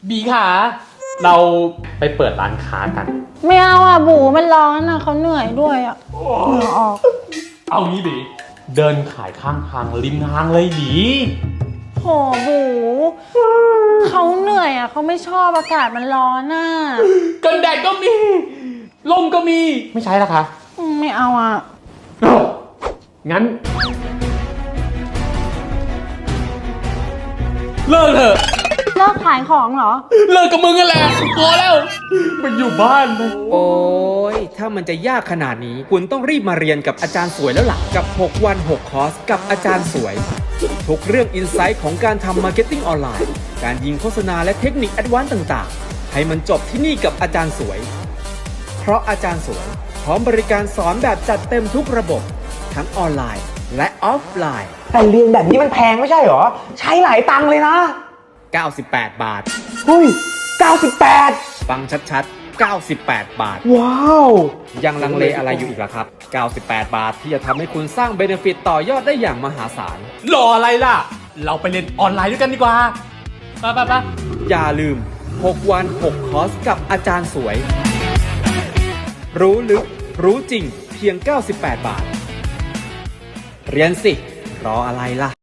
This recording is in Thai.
บีค่ะเราไปเปิดร้านค้ากันไม่เอาอ่ะบูมันร้อนอ่ะเขาเหนื่อยด้วยอ่ะเหงื่อออกเอางี้บีเดินขายข้างทางริมทางเลยบีโหบูเขาเหนื่อยอ่ะเขาไม่ชอบอากาศมันร้อนอ่ะกันแดดก็มีลมก็มีไม่ใช่ละคะไม่เอาอ่ะงั้นเลิกเถอะเลิกขายของเหรอเลิกกับมึงกันแหละพอแล้วมันอยู่บ้านเลยโอ้ยถ้ามันจะยากขนาดนี้คุณต้องรีบมาเรียนกับอาจารย์สวยแล้วล่ะกับ6วัน6คอร์สกับอาจารย์สวยทุกเรื่องอินไซต์ของการทำมาร์เก็ตติ้งออนไลน์การยิงโฆษณาและเทคนิคแอดวานซ์ต่างๆให้มันจบที่นี่กับอาจารย์สวยเพราะอาจารย์สวยพร้อมบริการสอนแบบจัดเต็มทุกระบบทั้งออนไลน์และออฟไลน์แต่เรียนแบบนี้มันแพงไม่ใช่หรอใช้หลายตังค์เลยนะ 98 บาทเฮ้ย98 ฟังชัดๆ98 บาทว้าวยังลังเลอะไรอยู่อีกล่ะครับ98 บาทที่จะทำให้คุณสร้างเบเนฟิตต่อยอดได้อย่างมหาศาลรออะไรล่ะเราไปเรียนออนไลน์ด้วยกันดีกว่าไปอย่าลืม6วัน6คอร์สกับอาจารย์สวยรู้ลึกรู้จริงเพียง98 บาทเรียนสิรออะไรล่ะ